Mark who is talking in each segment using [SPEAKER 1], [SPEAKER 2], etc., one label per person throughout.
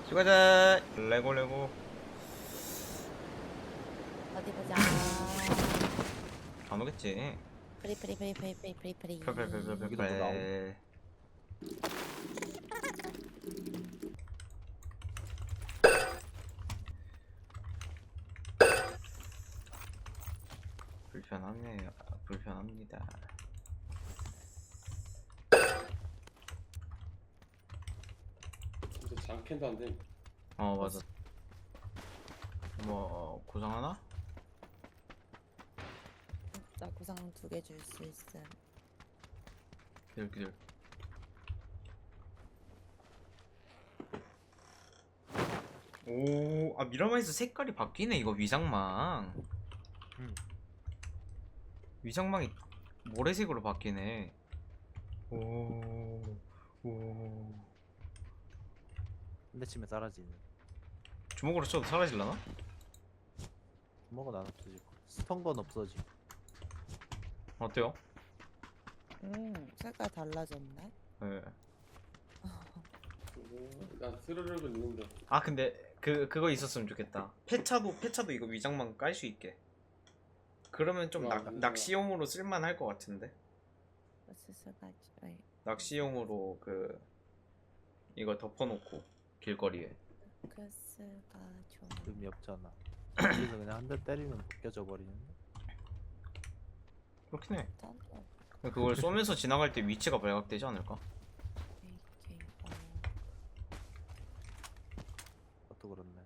[SPEAKER 1] 수고하자. 레고.
[SPEAKER 2] 어디 보자.
[SPEAKER 1] 안 오겠지.
[SPEAKER 2] 프리.
[SPEAKER 3] 여기도 뭐 나옴?
[SPEAKER 1] 불편하네요. 불편합니다.
[SPEAKER 4] 진짜 장캔도 안 돼.
[SPEAKER 1] 맞아. 뭐 구상 하나?
[SPEAKER 2] 나 구상 2개 줄 수 있음.
[SPEAKER 1] 기다려. 오, 미라마에서 색깔이 바뀌네. 이거 위장망. 위장망이 모래색으로 바뀌네. 오.
[SPEAKER 3] 한 대치면 사라지는.
[SPEAKER 1] 주먹으로 쳐도 사라질라나?
[SPEAKER 3] 주먹은 안 없어지고 스턴 건 없어지.
[SPEAKER 1] 어때요?
[SPEAKER 2] 색깔 달라졌네.
[SPEAKER 1] 네.
[SPEAKER 4] 나 스르륵은 있는데.
[SPEAKER 1] 근데 그거 있었으면 좋겠다. 폐차도 이거 위장망 깔 수 있게. 그러면 좀 낚시용으로 쓸만할 것 같은데. 낚시용으로 이거 덮어놓고 길거리에.
[SPEAKER 2] 크스가 좀
[SPEAKER 3] 의미 없잖아. 여기서 그냥 한 대 때리면 벗겨져 버리는데.
[SPEAKER 1] 그렇긴 해.
[SPEAKER 2] 짠거.
[SPEAKER 1] 그걸 쏘면서 지나갈 때 위치가 발각되지 않을까?
[SPEAKER 3] 그것도 그렇네.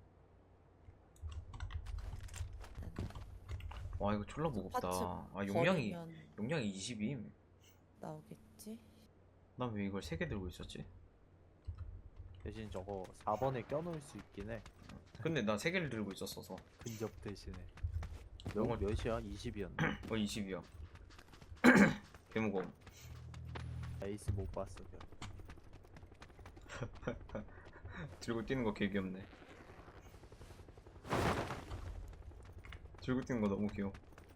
[SPEAKER 1] 와 이거 졸라 무겁다. 용량이 20임.
[SPEAKER 2] 나오겠지?
[SPEAKER 1] 난 왜 이걸 3개 들고 있었지?
[SPEAKER 3] 대신 저거 4번에 껴놓을 수 있긴 해.
[SPEAKER 1] 근데 나 3개를 들고 있었어서.
[SPEAKER 3] 근접 대신에.
[SPEAKER 1] 영어-
[SPEAKER 3] 몇이야? 20이었나?
[SPEAKER 1] 20이야. 개무거움.
[SPEAKER 3] 에이스 못 봤어.
[SPEAKER 1] 들고 뛰는 거 개 귀엽네. 들고 뛰는 거 너무 귀여워.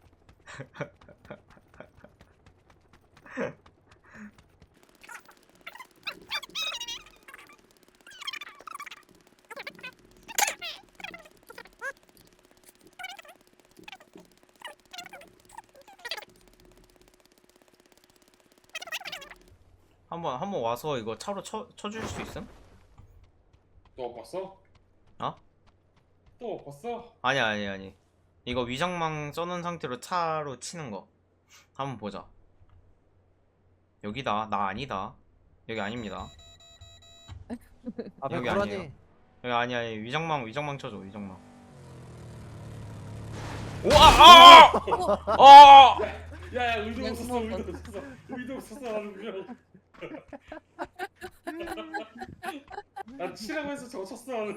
[SPEAKER 1] 한번 와서 이거 차로 쳐줄 수 있음?
[SPEAKER 4] 또 못 봤어?
[SPEAKER 1] 어?
[SPEAKER 4] 또 못 봤어?
[SPEAKER 1] 아니. 이거 위장망 써놓은 상태로 차로 치는 거. 한번 보자. 여기다. 나 아니다. 여기 아닙니다.
[SPEAKER 3] 앞에
[SPEAKER 1] 여기
[SPEAKER 3] 고라니.
[SPEAKER 1] 아니에요. 여기 아니 위장망 쳐줘. 위장망. 우와!
[SPEAKER 4] 야야 의도 없었어. 의도 없었어 나는 그냥. 난 치라고 해서 저거 쳤어 나는.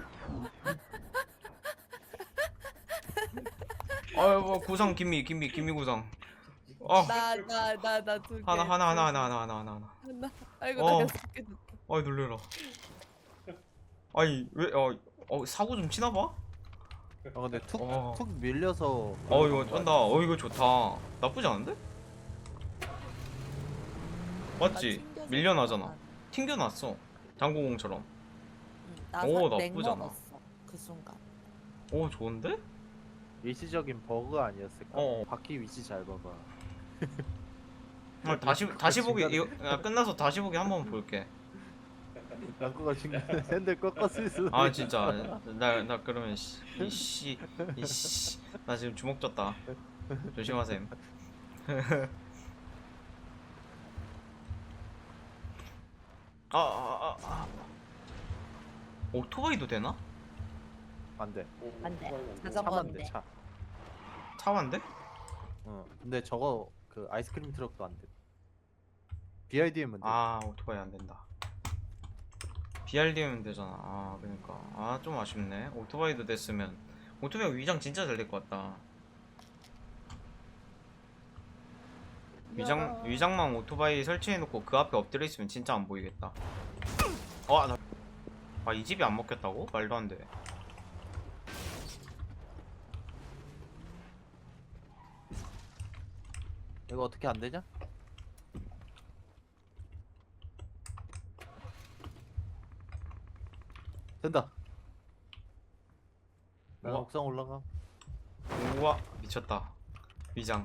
[SPEAKER 1] 뭐 구상 김미 구상.
[SPEAKER 2] 나 2개.
[SPEAKER 1] 하나.
[SPEAKER 2] 아이고
[SPEAKER 1] 어.
[SPEAKER 2] 나 6개 줄게.
[SPEAKER 1] 아이 놀래라. 아니 왜 사고 좀 치나봐?
[SPEAKER 3] 근데
[SPEAKER 1] 어.
[SPEAKER 3] 툭 밀려서.
[SPEAKER 1] 이거 쩐다. 이거 좋다. 나쁘지 않은데? 맞지?
[SPEAKER 2] 튕겨서
[SPEAKER 1] 밀려나잖아. 튕겨놨어. 당구공처럼. 오, 나쁘지 않아.
[SPEAKER 2] 먹었어 그 순간.
[SPEAKER 1] 오 좋은데?
[SPEAKER 3] 일시적인 버그 아니었을까?
[SPEAKER 1] 어.
[SPEAKER 3] 바퀴 위치 잘 봐봐.
[SPEAKER 1] 다시 보기 이거 끝나서 다시 보기 한번 볼게.
[SPEAKER 3] 랑코가 중간에 샌들 꺾었을 수도.
[SPEAKER 1] 진짜 나 그러면 이씨 나 지금 주먹 졌다. 조심하셈. 오토바이도 되나?
[SPEAKER 3] 안 돼.
[SPEAKER 2] 안 돼.
[SPEAKER 4] 돼.
[SPEAKER 3] 차만 돼, 차.
[SPEAKER 1] 차완데?
[SPEAKER 3] 근데 저거 그 아이스크림 트럭도 안 돼. BRDM은 돼.
[SPEAKER 1] 오토바이 안 된다. BRD면 되잖아. 그러니까 좀 아쉽네. 오토바이도 됐으면. 오토바이 위장 진짜 잘 될 것 같다. 위장망 오토바이 설치해놓고 그 앞에 엎드려 있으면 진짜 안 보이겠다. 이 집이 안 먹혔다고? 말도 안 돼.
[SPEAKER 3] 이거 어떻게 안 되냐? 된다. 나
[SPEAKER 4] 우와.
[SPEAKER 3] 옥상 올라가.
[SPEAKER 1] 우와 미쳤다. 위장.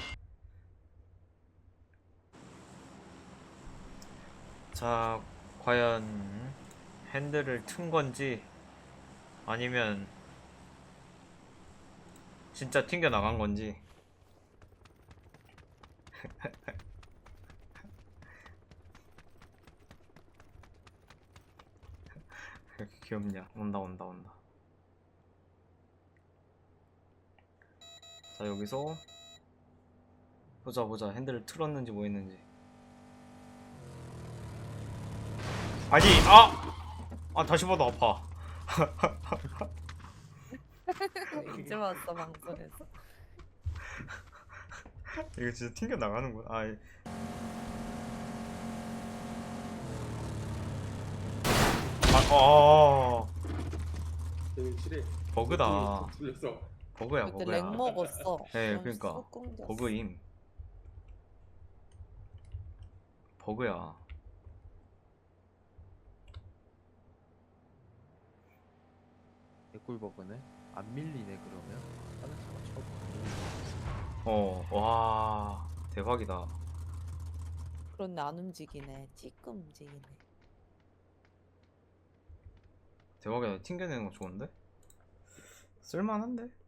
[SPEAKER 1] 자 과연 핸들을 튼 건지 아니면 진짜 튕겨 나간 건지. 왜 이렇게 귀엽냐. 온다 온다 온다. 자 여기서 보자 보자 핸들을 틀었는지 뭐 했는지. 아니 다시 봐도 아파.
[SPEAKER 2] 이제 왔어 방송에서.
[SPEAKER 1] 이거 진짜 튕겨 나가는구나.
[SPEAKER 4] 되게 칠해.
[SPEAKER 1] 버그다.
[SPEAKER 4] 틀렸어.
[SPEAKER 1] 버그야
[SPEAKER 2] 그때
[SPEAKER 1] 버그야.
[SPEAKER 2] 렉 먹었어.
[SPEAKER 1] 네,
[SPEAKER 2] 그럼
[SPEAKER 1] 그러니까
[SPEAKER 2] 쑥 끊겼어.
[SPEAKER 1] 버그임. 버그야.
[SPEAKER 3] 개꿀 버그네. 안 밀리네 그러면. 다른 차가 쳐봐.
[SPEAKER 1] 와 대박이다.
[SPEAKER 2] 그런데 안 움직이네. 찌끔 움직이네.
[SPEAKER 1] 대박이다. 튕겨내는 거 좋은데? 쓸만한데?